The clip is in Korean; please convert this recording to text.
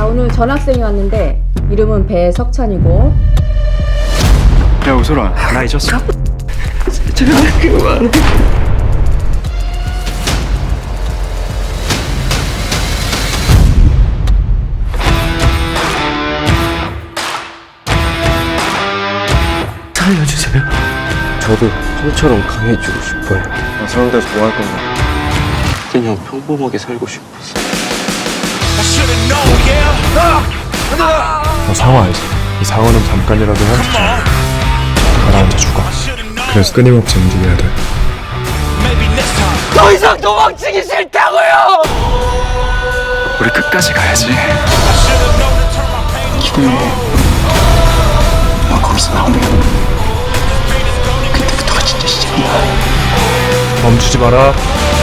오늘 전학생이 왔는데 이름은 배석찬이고. 야 우솔아, 나 잊었어? 제발 그만. 살려주세요. 저도 형처럼 강해지고 싶어요. 나 저런 데서 뭐 할 건데? 그냥 평범하게 살고 싶었어. 너 상어 알지? 이 상어는 잠깐이라도 헤엄치자 가라앉아 죽어. 그래서 끊임없이 움직여야 돼. 더 이상 도망치기 싫다고요! 우리 끝까지 가야지. 기다려. 너 거기서 나오면 그때부터가 진짜 시작이야. 멈추지 마라.